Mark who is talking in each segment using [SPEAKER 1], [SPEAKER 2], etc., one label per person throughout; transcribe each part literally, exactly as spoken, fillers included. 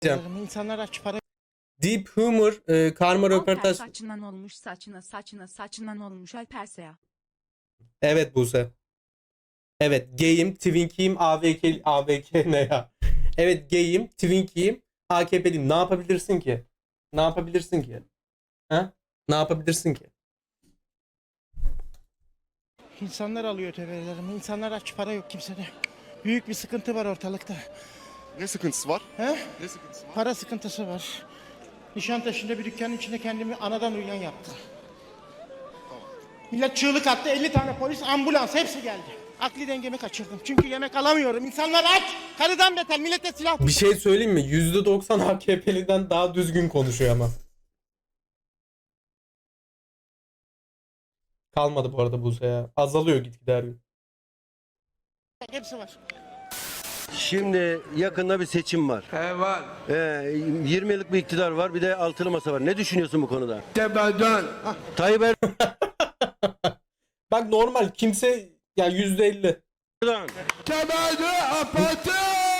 [SPEAKER 1] İnsanlar aç para.
[SPEAKER 2] Deep Humor, e, Karma röportaj.
[SPEAKER 3] Saçından olmuş saçına saçına saçından olmuş Alperseya.
[SPEAKER 2] Evet Buse. Evet gayim, Twinkiyim, A V K, A V K ne ya? Evet gayim, Twinkiyim, A K P'liyim. Ne yapabilirsin ki? Ne yapabilirsin ki? Ha? Ne yapabilirsin ki?
[SPEAKER 1] İnsanlar alıyor tebelerimi. İnsanlar aç para yok kimsede. Büyük bir sıkıntı var ortalıkta.
[SPEAKER 4] Ne sıkıntısı var?
[SPEAKER 1] He?
[SPEAKER 4] Ne sıkıntısı var?
[SPEAKER 1] Para sıkıntısı var. Nişantaşı'nda bir dükkanın içinde kendimi anadan uyuyan yaptım. Millet çığlık attı. elli tane polis, ambulans hepsi geldi. Akli dengemi kaçırdım. Çünkü yemek alamıyorum. İnsanlar aç. Karıdan beter. Millete silah.
[SPEAKER 2] Bir şey söyleyeyim mi? yüzde doksan A K P'liden daha düzgün konuşuyor ama. Kalmadı bu arada Buse ya. Azalıyor gitgide her gün.
[SPEAKER 1] Hepsi var.
[SPEAKER 5] Şimdi yakında bir seçim var.
[SPEAKER 6] He var.
[SPEAKER 5] Ee, yirmi yıllık bir iktidar var, bir de altılı masa var. Ne düşünüyorsun bu konuda?
[SPEAKER 6] Tepeden.
[SPEAKER 5] Tayyip
[SPEAKER 2] Bak normal kimse ya yüzde elli.
[SPEAKER 5] Erdoğan.
[SPEAKER 6] Tepeden apatı.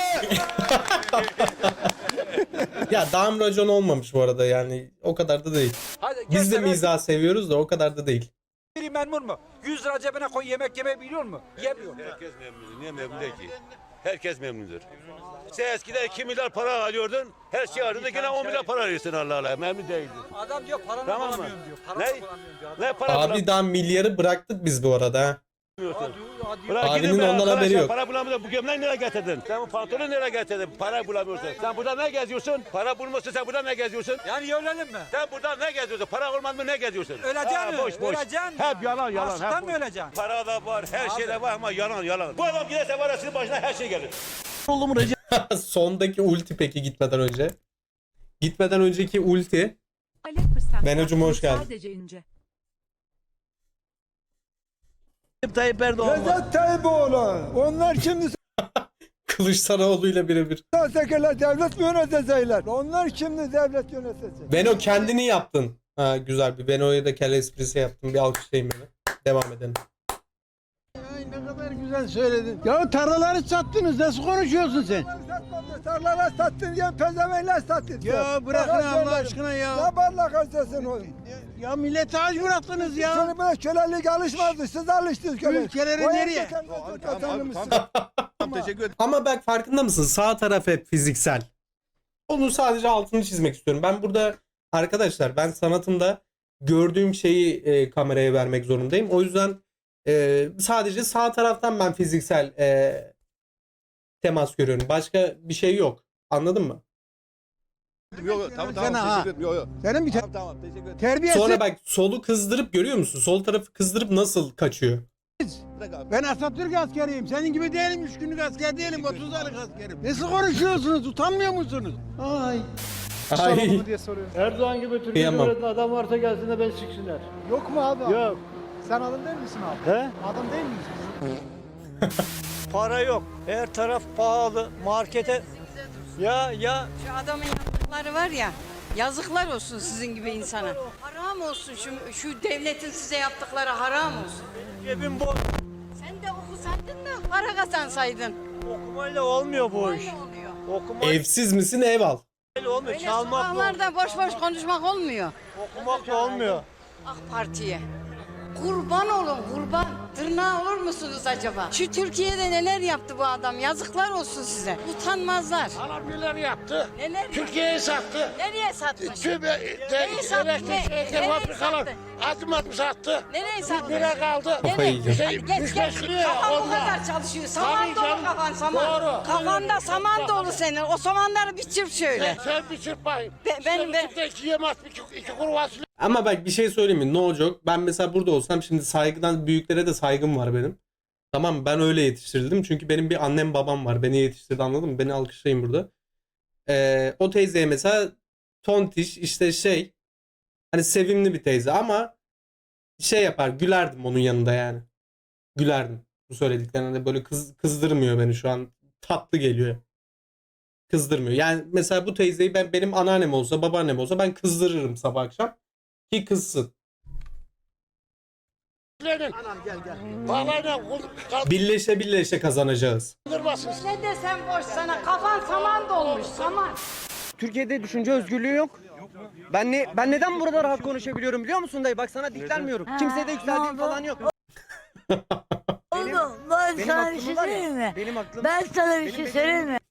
[SPEAKER 2] Ya dam racon olmamış bu arada yani o kadar da değil.
[SPEAKER 7] Hadi,
[SPEAKER 2] Biz de
[SPEAKER 7] gel,
[SPEAKER 2] mizah seviyoruz da o kadar da değil.
[SPEAKER 7] biri memnun mu? yüz lira cebine koy yemek yemeyi biliyor mu? Yemiyor.
[SPEAKER 8] Herkes memnun. Niye memnun değil ki? Herkes memnundur. Sen eskiden iki milyar para alıyordun. Her şey alıyordun. Yine on milyar para alıyorsun Allah Allah. Memnun değildin.
[SPEAKER 7] Adam diyor paranı
[SPEAKER 8] Tamam mı?
[SPEAKER 7] bulamıyorum diyor. Paranı
[SPEAKER 8] Ne?
[SPEAKER 7] bulamıyorum diyor.
[SPEAKER 8] Ne para
[SPEAKER 2] Abi daha milyarı bıraktık biz bu arada ha.
[SPEAKER 8] bulamıyorsun?
[SPEAKER 7] Hadi, hadi.
[SPEAKER 8] Bırak
[SPEAKER 2] Abinin
[SPEAKER 8] gidin be
[SPEAKER 2] ondan
[SPEAKER 8] arkadaşlar,
[SPEAKER 2] haberi yok.
[SPEAKER 8] Para bulamıyorsun. Bu gömleği nereye getirdin? Sen bu pantolonu nereye getirdin? Para bulamıyorsun. Sen burada ne geziyorsun? Para bulmuyorsun. Sen burada ne geziyorsun?
[SPEAKER 7] Yani ölelim mi?
[SPEAKER 8] Sen burada ne geziyorsun? Para olmadı mı ne geziyorsun?
[SPEAKER 7] Öleceksin
[SPEAKER 8] Ha,
[SPEAKER 7] mi?
[SPEAKER 8] boş boş.
[SPEAKER 7] Öleceksin mi?
[SPEAKER 8] Hep yalan yalan.
[SPEAKER 7] Açlıktan
[SPEAKER 8] hep
[SPEAKER 7] mı
[SPEAKER 8] boş.
[SPEAKER 7] öleceksin?
[SPEAKER 8] Para da var, her şey de var ama yalan yalan. Bu adam giderse var ya sizin başına her şey gelir.
[SPEAKER 2] Sondaki ulti peki gitmeden önce. Gitmeden önceki ulti.
[SPEAKER 3] Ali fırsat.
[SPEAKER 2] Ben hocam, hoş geldin.
[SPEAKER 3] Sadece ince.
[SPEAKER 5] Tayyip Erdoğan var.
[SPEAKER 9] Recep Tayyip onlar şimdi
[SPEAKER 2] Kılıçdaroğlu ile birebir.
[SPEAKER 9] sekeler devlet mi yönetecekler? Onlar şimdi devlet yönetecek.
[SPEAKER 2] Beno kendini yaptın. Ha güzel bir Beno'ya da kelle esprisi yaptım. Bir alkışlayayım beni. Devam edelim.
[SPEAKER 9] Ay ne kadar güzel söyledin. Ya tarlaları sattınız nasıl konuşuyorsun sen? Tarlaları sattın diye pezevenler sattın. Ya bırakın Allah aşkına ya. Ne barla kaçtasın oğlum? Ya millete aç bıraktınız ya. Sonra böyle kölelik alışmazdı. Siz alıştınız kölelik. Ülkeleri nereye?
[SPEAKER 4] Teşekkür ederim.
[SPEAKER 2] Ama bak farkında mısın? Sağ taraf hep fiziksel. Onun sadece altını çizmek istiyorum. Ben burada arkadaşlar ben sanatımda gördüğüm şeyi e, kameraya vermek zorundayım. O yüzden e, sadece sağ taraftan ben fiziksel e, temas görüyorum. Başka bir şey yok. Anladın mı?
[SPEAKER 4] Yok yok tamam tamam
[SPEAKER 9] Sana ha.
[SPEAKER 4] teşekkür ederim. Yok yok.
[SPEAKER 9] Senin bir
[SPEAKER 4] Tamam tamam teşekkür ederim.
[SPEAKER 9] terbiyesiz.
[SPEAKER 2] Sonra bak solu kızdırıp görüyor musun? Sol tarafı kızdırıp nasıl kaçıyor?
[SPEAKER 4] Bırak abi.
[SPEAKER 9] Ben Atatürk askeriyim. Senin gibi değilim. Üç günlük asker değilim. otuz aylık askerim. Nasıl konuşuyorsunuz? Utanmıyor musunuz? Ay.
[SPEAKER 2] Ay.
[SPEAKER 10] Erdoğan gibi Türkiye
[SPEAKER 2] Kıyamam.
[SPEAKER 10] Cumhuriyeti'nde adam varsa gelsin de ben siksinler.
[SPEAKER 9] Yok mu abi?
[SPEAKER 10] Yok.
[SPEAKER 9] Sen adam değil misin abi?
[SPEAKER 10] He?
[SPEAKER 9] Adam değil misin?
[SPEAKER 7] Para yok. Her taraf pahalı. Markete ya ya
[SPEAKER 11] Şu adamın yaptıkları var ya, yazıklar olsun sizin gibi insana. Haram olsun şu, şu devletin size yaptıkları haram olsun.
[SPEAKER 7] cebim boş.
[SPEAKER 11] Sen de okusaydın da para kazansaydın.
[SPEAKER 7] Okumayla olmuyor bu iş.
[SPEAKER 11] Böyle oluyor.
[SPEAKER 7] Okumayla
[SPEAKER 2] Evsiz misin ev al.
[SPEAKER 7] olmuyor.
[SPEAKER 11] Öyle
[SPEAKER 7] Çalmak da olmuyor.
[SPEAKER 11] sokaklarda boş boş konuşmak olmuyor.
[SPEAKER 7] Okumak da olmuyor.
[SPEAKER 11] AK Parti'ye. Kurban olun kurban. Tırnağı olur musunuz acaba? Şu Türkiye'de neler yaptı bu adam? Yazıklar olsun size. Utanmazlar.
[SPEAKER 7] Adam neler yaptı?
[SPEAKER 11] Neler
[SPEAKER 7] Türkiye'yi sattı.
[SPEAKER 11] Nereye satmış?
[SPEAKER 7] Tüm
[SPEAKER 11] Nereyi sattı? Ne- Nereye sattı?
[SPEAKER 7] adım adım sattı.
[SPEAKER 11] Nereye sattı?
[SPEAKER 7] Nereye kaldı?
[SPEAKER 2] Kafayı yiyeceğim.
[SPEAKER 11] Hadi geç
[SPEAKER 7] Üç
[SPEAKER 11] geç.
[SPEAKER 7] beş liraya
[SPEAKER 11] Kafan bu
[SPEAKER 7] onlar.
[SPEAKER 11] kadar çalışıyor. Saman
[SPEAKER 7] Tabii
[SPEAKER 11] dolu
[SPEAKER 7] canım.
[SPEAKER 11] kafan saman.
[SPEAKER 7] Doğru.
[SPEAKER 11] Kafanda saman dolu senin. O samanları bir çırp şöyle.
[SPEAKER 7] Sen bir çırpayım.
[SPEAKER 11] Ben- ben- ben-
[SPEAKER 7] ben. iki yemez, iki, iki kuru fasulye.
[SPEAKER 2] Ama bak bir şey söyleyeyim mi? No joke. Ben mesela burada olsam şimdi saygıdan büyüklere de saygım var benim. Tamam mı? Ben öyle yetiştirildim. Çünkü benim bir annem babam var. Beni yetiştirdi anladın mı? Beni alkışlayın burada. Ee, o teyzeye mesela tontiş işte şey hani sevimli bir teyze ama şey yapar gülerdim onun yanında yani. Gülerdim. Bu söylediklerine böyle kız, kızdırmıyor beni şu an. Tatlı geliyor. Kızdırmıyor. Yani mesela bu teyzeyi ben benim anneannem olsa babaannem olsa ben kızdırırım sabah akşam ki kızsın.
[SPEAKER 7] Anam gel gel. Bağlayla
[SPEAKER 2] Birleşe birleşe kazanacağız.
[SPEAKER 7] kaldırmasın.
[SPEAKER 11] Ne desem boş sana. Kafan saman dolmuş saman.
[SPEAKER 9] Türkiye'de düşünce özgürlüğü yok. Ben ne ben neden burada rahat konuşabiliyorum biliyor musun dayı? Bak sana diklenmiyorum. Kimseye de yükseldiğim falan yok.
[SPEAKER 11] Oğlum ben
[SPEAKER 9] Benim
[SPEAKER 11] sana bir
[SPEAKER 9] aklım
[SPEAKER 11] şey
[SPEAKER 9] var
[SPEAKER 11] söyleyeyim
[SPEAKER 9] ya.
[SPEAKER 11] mi?
[SPEAKER 9] Benim aklım.
[SPEAKER 11] Ben sana bir
[SPEAKER 9] Benim
[SPEAKER 11] şey
[SPEAKER 9] benim-
[SPEAKER 11] söyleyeyim mi?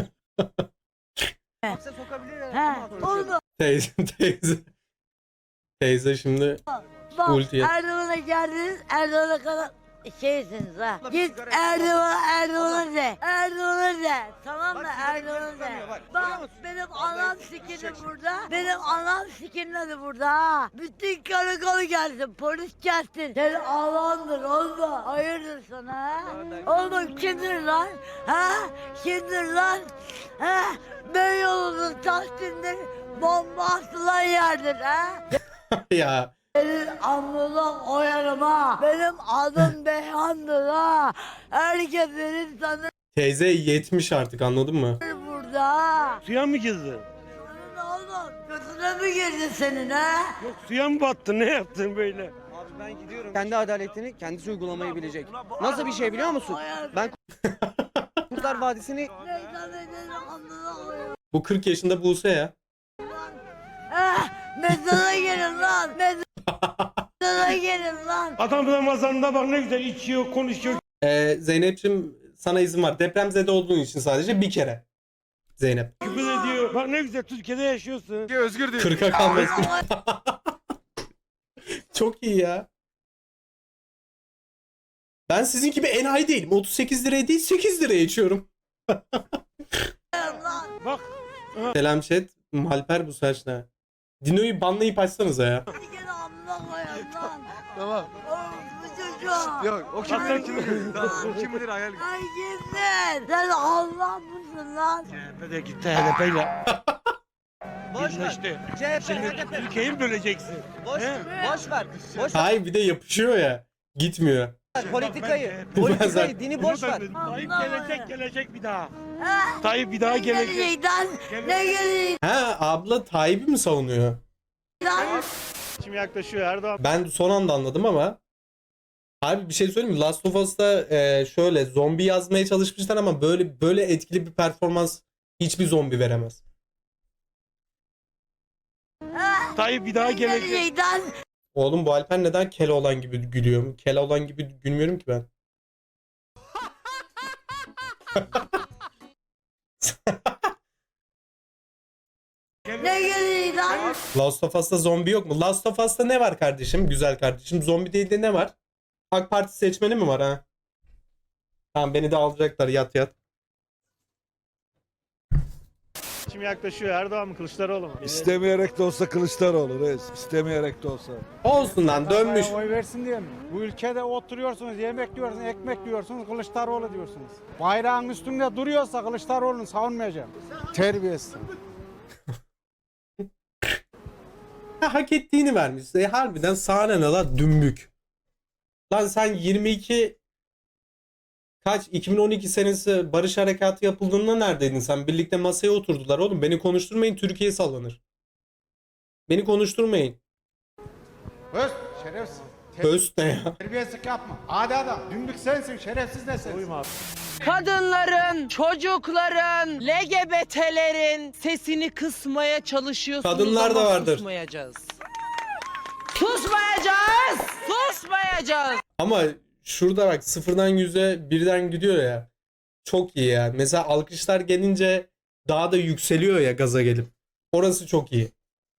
[SPEAKER 9] Kimse sokabilir ya.
[SPEAKER 11] Ha, oğlum
[SPEAKER 2] Teyze teyze. Teyze şimdi
[SPEAKER 11] bak
[SPEAKER 2] Ultiye.
[SPEAKER 11] Erdoğan'a geldiniz, Erdoğan'a kadar şeysiniz ha.
[SPEAKER 9] Abla bir
[SPEAKER 11] Git
[SPEAKER 9] sigara
[SPEAKER 11] Erdoğan'a, Erdoğan'a
[SPEAKER 9] Abla.
[SPEAKER 11] de. Erdoğan'a de. Tamam mı?
[SPEAKER 9] Bak, sigara
[SPEAKER 11] Erdoğan'a
[SPEAKER 9] tutamıyor,
[SPEAKER 11] de.
[SPEAKER 9] bak. Görüyor
[SPEAKER 11] Bak
[SPEAKER 9] musun?
[SPEAKER 11] benim
[SPEAKER 9] Abla,
[SPEAKER 11] anam
[SPEAKER 9] çek,
[SPEAKER 11] sikini
[SPEAKER 9] çek.
[SPEAKER 11] burada. Benim anam sikini burada ha. Bütün karakol gelsin, polis gelsin. Senin ağlandır olma. Hayırdır sana ha? Oğlum kimdir lan? Ha? Kimdir lan? Ha? Beyoğlu'nun Tahsin'dir. Bomba atılan yerdir ha?
[SPEAKER 2] ya
[SPEAKER 11] Senin alnından oyarım ha. Benim adım Beyhan'dır ha. Herkes benim sanır
[SPEAKER 2] teyze yetmiş artık, anladın mı?
[SPEAKER 11] burada ha.
[SPEAKER 9] Suya mı girdin?
[SPEAKER 11] Senin oğlum götüne mi girdi senin ha?
[SPEAKER 9] Yok suya mı battın? Ne yaptın böyle? Abi ben gidiyorum. Kendi adaletini kendisi uygulamayı bilecek. Nasıl bir şey biliyor musun? Ben Kurtlar Vadisi'ni
[SPEAKER 11] Neyden benim alnından oyarım.
[SPEAKER 2] Bu kırk yaşında Buse ya.
[SPEAKER 11] Ha? Mezara gelin lan. Mezara gelin lan.
[SPEAKER 9] Adam Ramazan'da bak ne güzel içiyor, konuşuyor.
[SPEAKER 2] Ee, Zeynep'ciğim sana izin var. Depremzede olduğun için sadece bir kere. Zeynep.
[SPEAKER 9] Küfür ediyor. Bak ne güzel Türkiye'de yaşıyorsun.
[SPEAKER 4] Özgür diyor.
[SPEAKER 2] kırka kalmasın. Çok iyi ya. Ben sizin gibi enayi değilim. otuz sekiz liraya değil sekiz liraya içiyorum.
[SPEAKER 9] Bak.
[SPEAKER 2] Selam chat. Malper bu saç ne? Dino'yu banlayıp açsanıza ya.
[SPEAKER 11] Bir kere amına koyarım lan.
[SPEAKER 4] Tamam.
[SPEAKER 11] Oğlum bu çocuğa.
[SPEAKER 4] Yok o kim bilir kim bilir. Tamam, o kim bilir hayal.
[SPEAKER 11] Ay kimsin? Sen Allah mısın lan?
[SPEAKER 9] C H P de gitti H D P'yle. Birleşti. Şimdi Türkiye'yi mi böleceksin?
[SPEAKER 12] Boş,
[SPEAKER 9] He?
[SPEAKER 12] boş ver. Boş
[SPEAKER 2] Hayır bir de yapışıyor ya. Gitmiyor.
[SPEAKER 12] ver politikayı.
[SPEAKER 2] Ben
[SPEAKER 12] Politikayı,
[SPEAKER 2] zaten-
[SPEAKER 12] dini boş ver.
[SPEAKER 9] Tayyip
[SPEAKER 11] Allah
[SPEAKER 9] gelecek
[SPEAKER 11] Allah.
[SPEAKER 9] gelecek bir daha.
[SPEAKER 11] Ha?
[SPEAKER 9] Tayyip bir daha
[SPEAKER 11] Ne
[SPEAKER 9] gelecek.
[SPEAKER 11] gelecek lan? Ne gelecek
[SPEAKER 2] Ha abla Tayyip'i mi savunuyor?
[SPEAKER 11] lan?
[SPEAKER 9] Şimdi yaklaşıyor Erdoğan.
[SPEAKER 2] Ben son anda anladım ama. Abi bir şey söyleyeyim mi? Last of Us'ta e, şöyle zombi yazmaya çalışmışlar ama böyle böyle etkili bir performans hiçbir zombi veremez.
[SPEAKER 9] Tayyip bir daha
[SPEAKER 11] Ne
[SPEAKER 9] gelecek.
[SPEAKER 11] gelecek lan?
[SPEAKER 2] Oğlum bu Alper neden Keloğlan gibi gülüyor? Keloğlan gibi gülmüyorum ki ben.
[SPEAKER 11] Ne gelecek lan?
[SPEAKER 2] Last of Us'ta zombi yok mu? Last of Us'ta ne var kardeşim? Güzel kardeşim. Zombi değil de ne var? AK Parti seçmeni mi var ha? Tamam beni de alacaklar yat yat.
[SPEAKER 9] Şimdi yaklaşıyor Erdoğan mı Kılıçdaroğlu mu?
[SPEAKER 4] İstemeyerek de olsa Kılıçdaroğlu reis. İstemeyerek de olsa.
[SPEAKER 2] Olsun lan dönmüş.
[SPEAKER 10] Oy versin diye mi? Bu ülkede oturuyorsunuz, yemek diyorsunuz, ekmek diyorsunuz, Kılıçdaroğlu diyorsunuz. Bayrağın üstünde duruyorsa Kılıçdaroğlu'nu savunmayacağım. Terbiyesiz.
[SPEAKER 2] Hak ettiğini vermiş. E, harbiden sahne ne lan dümbük. Lan sen yirmi iki kaç iki bin on iki senesi barış harekatı yapıldığında neredeydin sen? Birlikte masaya oturdular oğlum. Beni konuşturmayın, Türkiye sallanır. Beni konuşturmayın.
[SPEAKER 10] Öz, şerefsiz.
[SPEAKER 2] Höst ne ya?
[SPEAKER 10] Terbiyesizlik yapma. Adi adam. Dümbük sensin, şerefsiz de sensin.
[SPEAKER 9] Uyma.
[SPEAKER 12] Kadınların, çocukların, L G B T'lerin sesini kısmaya çalışıyorsunuz
[SPEAKER 2] Kadınlar da
[SPEAKER 12] ama
[SPEAKER 2] vardır.
[SPEAKER 12] susmayacağız. Susmayacağız! Susmayacağız!
[SPEAKER 2] Ama şurada bak sıfırdan yüze birden gidiyor ya. Çok iyi ya. Mesela alkışlar gelince daha da yükseliyor ya gaza gelip. Orası çok iyi.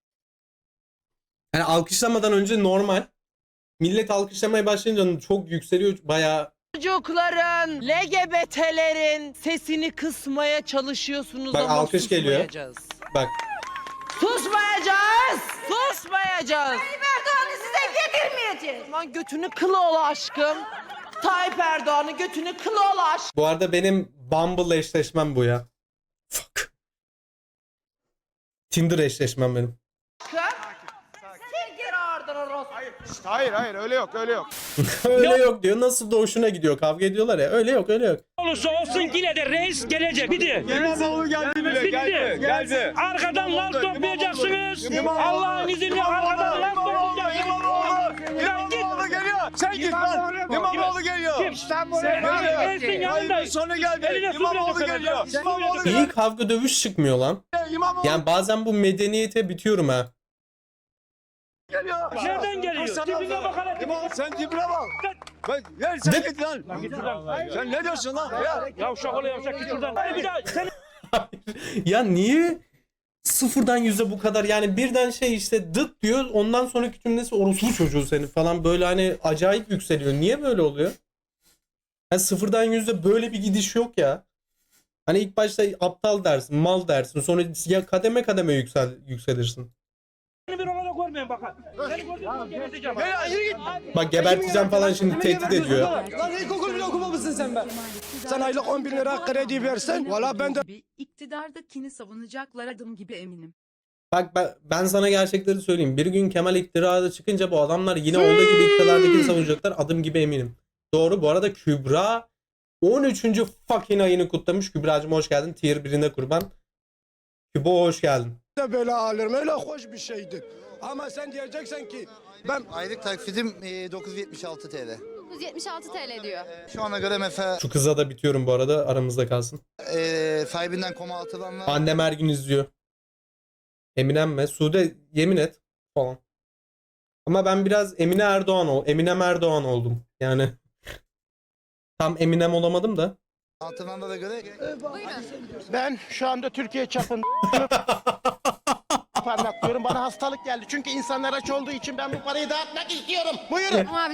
[SPEAKER 2] Yani alkışlamadan önce normal. Millet alkışlamaya başlayınca çok yükseliyor. Bayağı
[SPEAKER 12] Çocukların, L G B T'lerin sesini kısmaya çalışıyorsunuz
[SPEAKER 2] Bak,
[SPEAKER 12] ama
[SPEAKER 2] alkış geliyor.
[SPEAKER 12] susmayacağız.
[SPEAKER 2] bak.
[SPEAKER 12] Susmayacağız! Susmayacağız!
[SPEAKER 11] Tayyip Erdoğan'ı size getirmeyeceğiz.
[SPEAKER 12] Aman götünü kılı ola aşkım. Tayyip Erdoğan'ı götünü kılı ola aşkım.
[SPEAKER 2] Bu arada benim Bumble eşleşmem bu ya. Fuck. Tinder eşleşmem benim.
[SPEAKER 12] Sil geri oradan orospu.
[SPEAKER 10] Hayır, hayır, öyle yok, öyle yok.
[SPEAKER 2] Öyle yok diyor. Nasıl da hoşuna gidiyor. Kavga ediyorlar ya. Öyle yok öyle yok.
[SPEAKER 9] Olursa olsun yine de reis gelecek. Bitti.
[SPEAKER 4] İmamoğlu geldi bile.
[SPEAKER 9] Bitti.
[SPEAKER 4] Geldi. Geldi.
[SPEAKER 9] Arkadan laf toplayacaksınız. Allah'ın izniyle arkadan laf toplayacaksınız.
[SPEAKER 4] İmamoğlu geliyor.
[SPEAKER 6] Sen git lan. İmamoğlu geliyor.
[SPEAKER 10] İstanbul'a
[SPEAKER 6] Geliyor. Hayırlı sonu geldi. İmamoğlu geliyor. İmamoğlu geliyor.
[SPEAKER 2] İyi kavga dövüş çıkmıyor lan.
[SPEAKER 6] İmamoğlu
[SPEAKER 2] Yani bazen bu medeniyete bitiyorum ha.
[SPEAKER 6] geliyor. Nereden geliyor? Dibine bakarak. Sen dibine bak. Ben, gel sen git lan. Sen ne diyorsun lan? Ya.
[SPEAKER 10] Yavşak ola yavşak git şuradan. Bir daha sen
[SPEAKER 2] Ya niye sıfırdan yüze bu kadar, yani birden şey işte dıt diyor, ondan sonraki cümlesi orospu çocuğu senin falan, böyle hani acayip yükseliyor. Niye böyle oluyor? Yani sıfırdan yüze böyle bir gidiş yok ya. Hani ilk başta aptal dersin, mal dersin, sonra ya kademe kademe yüksel yükselirsin.
[SPEAKER 10] bir olarak görmeyin bakın. Seni gördüğüm geberteceğim.
[SPEAKER 6] Ya yürü git.
[SPEAKER 2] Bak geberteceğim falan şimdi tehdit ediyor.
[SPEAKER 6] Lan ilkokul bile okumamışsın sen be. Sen aylık on bin lira kredi versen. Valla ben de.
[SPEAKER 3] Gibi iktidardakini savunacaklar adım gibi eminim.
[SPEAKER 2] Bak ben, ben sana gerçekleri söyleyeyim. Bir gün Kemal iktidarda çıkınca bu adamlar yine olduğu gibi iktidardakini savunacaklar. Adım gibi eminim. Doğru. Bu arada Kübra on üçüncü fucking ayını kutlamış. Kübra'cığım hoş geldin. Tier birine kurban. Kübo hoş geldin.
[SPEAKER 6] de böyle alırım. Öyle hoş bir şeydir. Ama sen diyeceksen ki ben
[SPEAKER 9] Aylık taksidim e, dokuz yüz yetmiş altı T L.
[SPEAKER 11] dokuz yüz yetmiş altı T L diyor.
[SPEAKER 9] Şu ana göre mesela
[SPEAKER 2] Şu kıza da bitiyorum bu arada. Aramızda kalsın.
[SPEAKER 9] e, sahibinden koma atılanlar
[SPEAKER 2] Annem her gün izliyor. Eminem mi? Sude yemin et falan. Ama ben biraz Emine Erdoğan ol. Eminem Erdoğan oldum. Yani tam Eminem olamadım da.
[SPEAKER 9] atılanlara göre
[SPEAKER 1] Ben şu anda Türkiye çapında parmaklıyorum. Bana hastalık geldi. Çünkü insanlar aç olduğu için ben bu parayı dağıtmak istiyorum. Buyurun.
[SPEAKER 11] Abi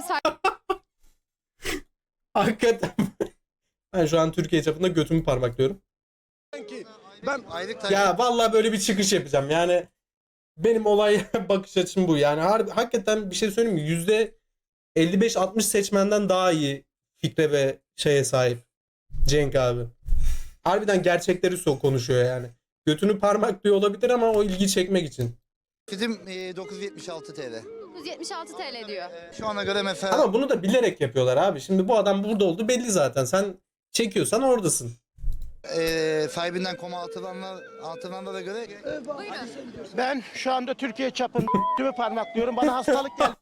[SPEAKER 2] Hakikaten. Ben şu an Türkiye çapında götümü parmaklıyorum.
[SPEAKER 6] ki ben
[SPEAKER 9] aylık taksidim.
[SPEAKER 2] Ya vallahi böyle bir çıkış yapacağım. Yani benim olay bakış açım bu. Yani harbi, hakikaten bir şey söyleyeyim mi? yüzde elli beş altmış seçmenden daha iyi fikre ve şeye sahip Cenk abi. Harbiden gerçekleri so konuşuyor yani. Götünü parmaklıyor olabilir ama o ilgi çekmek için.
[SPEAKER 9] Taksidim e, dokuz yüz yetmiş altı T L.
[SPEAKER 11] dokuz yüz yetmiş altı T L diyor.
[SPEAKER 9] Şu ana göre mesela
[SPEAKER 2] Ama bunu da bilerek yapıyorlar abi. Şimdi bu adam burada oldu belli zaten. Sen çekiyorsan oradasın.
[SPEAKER 9] e, sahibinden koma atılanlar atılanlara göre
[SPEAKER 1] Ben şu anda Türkiye çapında parmaklıyorum. Bana hastalık geldi.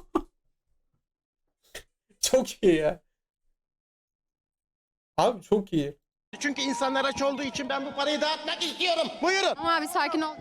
[SPEAKER 2] Çok iyi ya. Abi çok iyi.
[SPEAKER 1] Çünkü insanlar aç olduğu için ben bu parayı dağıtmak istiyorum. Buyurun.
[SPEAKER 11] Ama abi sakin ol.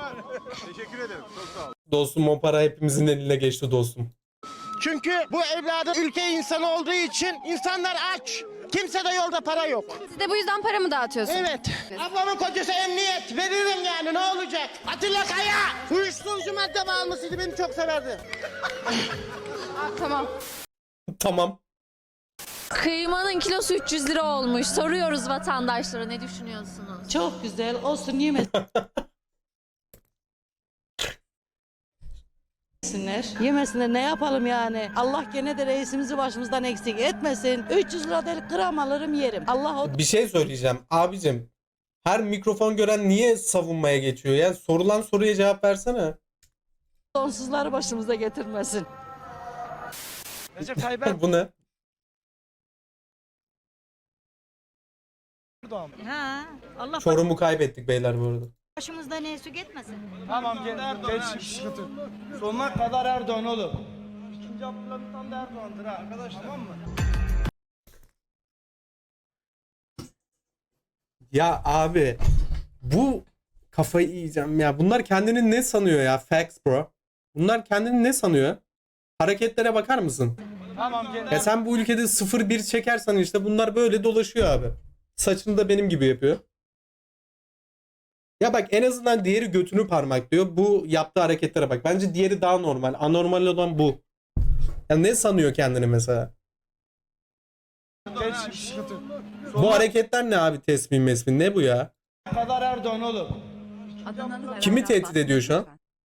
[SPEAKER 2] Dostum o para hepimizin eline geçti dostum.
[SPEAKER 1] Çünkü bu evladın ülke insanı olduğu için insanlar aç. Kimse de yolda para yok.
[SPEAKER 11] Siz de bu yüzden para mı dağıtıyorsunuz?
[SPEAKER 1] Evet. Ablamın kocası emniyet. Veririm yani ne olacak? Atilla Kaya. Uyuşturucu madde bağımlısıydı. Beni çok severdi.
[SPEAKER 11] Aa, tamam.
[SPEAKER 2] Tamam.
[SPEAKER 11] Kıymanın kilosu üç yüz lira olmuş. Soruyoruz vatandaşlara ne düşünüyorsunuz?
[SPEAKER 12] Çok güzel olsun yemesinler. Yemesinler ne yapalım yani. Allah gene de reisimizi başımızdan eksik etmesin. üç yüz lira değil gram alırım yerim. Allah o
[SPEAKER 2] Bir şey söyleyeceğim. Abicim her mikrofon gören niye savunmaya geçiyor ya? Sorulan soruya cevap versene.
[SPEAKER 12] donsuzları başımıza getirmesin.
[SPEAKER 1] Recep Tayyip
[SPEAKER 2] Bu ne?
[SPEAKER 11] Ha, Allah
[SPEAKER 2] Çorum'u kaybettik beyler bu arada.
[SPEAKER 11] başımızda ne su gitmesin.
[SPEAKER 10] Tamam gel. Geç sıkıntı. Sonuna kadar Erdoğan oğlum. İkinci Abdülhamit da Erdoğan'dır ha arkadaşlar. Tamam mı?
[SPEAKER 2] Ya abi bu kafayı yiyeceğim ya. Bunlar kendini ne sanıyor ya? Facts bro. Bunlar kendini ne sanıyor? Hareketlere bakar mısın?
[SPEAKER 10] Tamam gel.
[SPEAKER 2] Ya sen bu ülkede sıfır bir çekersen işte bunlar böyle dolaşıyor abi. Saçını da benim gibi yapıyor. Ya bak en azından diğeri götünü parmaklıyor. Bu yaptığı hareketlere bak. Bence diğeri daha normal. Anormal olan bu. Ya ne sanıyor kendini mesela?
[SPEAKER 10] Geç sıkıntı.
[SPEAKER 2] Bu hareketler ne abi, tesbih mesbih ne bu ya?
[SPEAKER 10] kadar Erdoğan oğlum.
[SPEAKER 3] Adanalı
[SPEAKER 2] Kimi tehdit ediyor şu an?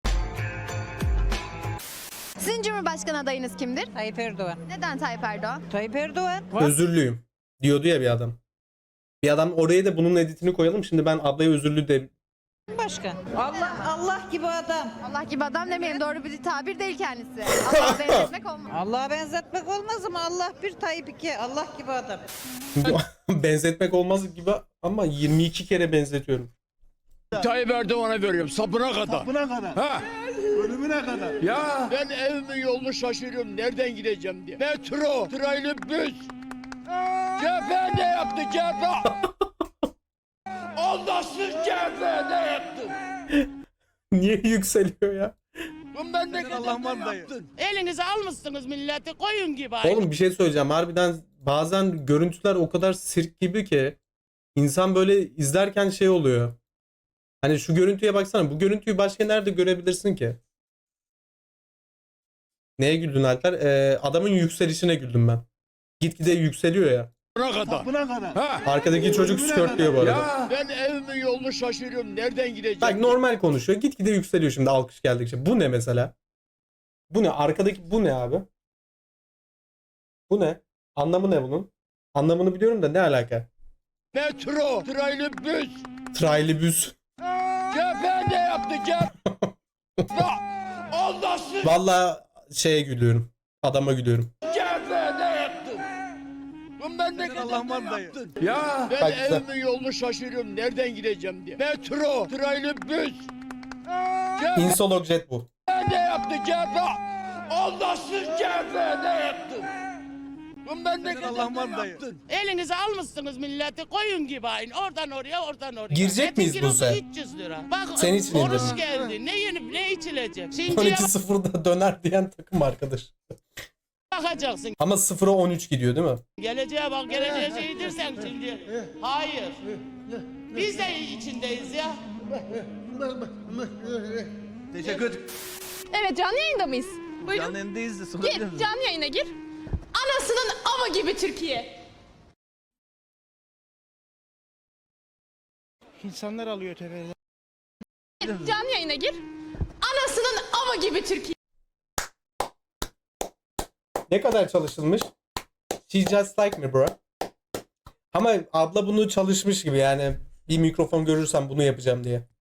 [SPEAKER 11] Sizin Cumhurbaşkanı adayınız kimdir?
[SPEAKER 12] Tayyip Erdoğan.
[SPEAKER 11] Neden Tayyip Erdoğan?
[SPEAKER 12] Tayyip Erdoğan.
[SPEAKER 2] Özürlüyüm diyordu ya bir adam. Bir adam oraya da bunun editini koyalım. Şimdi ben ablaya özürlü de
[SPEAKER 12] Başkan. Allah Allah gibi adam.
[SPEAKER 11] Allah gibi adam demeyelim, doğru bir tabir değil kendisi. Allah'a benzetmek olmaz.
[SPEAKER 12] Allah'a benzetmek olmaz ama Allah bir Tayyip iki. Allah gibi adam.
[SPEAKER 2] benzetmek olmaz gibi ama yirmi iki kere benzetiyorum.
[SPEAKER 6] Tayyip Erdoğan'a veriyorum sapına kadar.
[SPEAKER 10] Buna kadar.
[SPEAKER 6] Ha.
[SPEAKER 9] Bugüne kadar.
[SPEAKER 6] Ya.
[SPEAKER 9] Ben evimin yolunu şaşırıyorum. Nereden gideceğim diye. Metro, trailibüs. C H P ne yaptı C H P? Allahsız C H P ne yaptı?
[SPEAKER 2] Niye yükseliyor ya?
[SPEAKER 9] Bu memlekete ne yaptın?
[SPEAKER 12] Elinize almışsınız milleti koyun gibi.
[SPEAKER 2] Oğlum bir şey söyleyeceğim. Harbiden bazen görüntüler o kadar sirk gibi ki insan böyle izlerken şey oluyor. Hani şu görüntüye baksana. Bu görüntüyü başka nerede görebilirsin ki? Neye güldün Alper? Ee, adamın yükselişine güldüm ben. Gitgide yükseliyor ya.
[SPEAKER 9] Buna kadar. Buna kadar. Ha.
[SPEAKER 2] Arkadaki çocuk skörtlüyor bu arada.
[SPEAKER 6] Ya.
[SPEAKER 9] Ben evimin yolunu şaşırıyorum. Nereden gideceğim?
[SPEAKER 2] Bak normal konuşuyor. Gitgide yükseliyor şimdi alkış geldikçe. Bu ne mesela? Bu ne? Arkadaki bu ne abi? Bu ne? Anlamı ne bunun? Anlamını biliyorum da ne alaka?
[SPEAKER 9] Metro, trailibüs.
[SPEAKER 2] Trailibüs.
[SPEAKER 9] C H P ne yaptı C H P? Allahsız
[SPEAKER 2] Vallahi şeye gülüyorum. Adama gülüyorum.
[SPEAKER 9] C H P ne yaptı? Bu memlekete ne yaptın?
[SPEAKER 6] Ya.
[SPEAKER 9] Ben
[SPEAKER 2] Bak güzel.
[SPEAKER 9] evimin yolunu şaşırıyorum. Nereden gideceğim diye. Metro, trailibüs. C H P
[SPEAKER 2] Insolog jet bu.
[SPEAKER 9] ne yaptı C H P? Allahsız C H P ne yaptı? Bu memlekete ne yaptın?
[SPEAKER 12] Elinize almışsınız milleti koyun gibi aynı. Oradan oraya oradan oraya.
[SPEAKER 2] Girecek
[SPEAKER 12] Etin
[SPEAKER 2] miyiz
[SPEAKER 12] kilosu
[SPEAKER 2] Buse?
[SPEAKER 12] üç yüz lira. Bak
[SPEAKER 2] Senin için
[SPEAKER 12] oruç
[SPEAKER 2] indirdim.
[SPEAKER 12] geldi. Ne yenip ne içilecek?
[SPEAKER 2] on
[SPEAKER 12] Şimdi
[SPEAKER 2] iki sıfırda döner diyen takım arkadaş.
[SPEAKER 12] bakacaksın.
[SPEAKER 2] Ama sıfıra on üç gidiyor değil mi?
[SPEAKER 12] Geleceğe bak geleceğe şeydir sen şimdi. Hayır. Biz de içindeyiz ya.
[SPEAKER 11] Evet canlı yayında mıyız? Buyurun.
[SPEAKER 10] Canlı yayındayız da
[SPEAKER 11] Gir canlı yayına gir. Anasının ama gibi Türkiye.
[SPEAKER 1] İnsanlar alıyor tepeden.
[SPEAKER 11] Canlı yayına gir. Anasının ama gibi Türkiye.
[SPEAKER 2] Ne kadar çalışılmış? She just like me bro. Ama abla bunu çalışmış gibi yani bir mikrofon görürsem bunu yapacağım diye.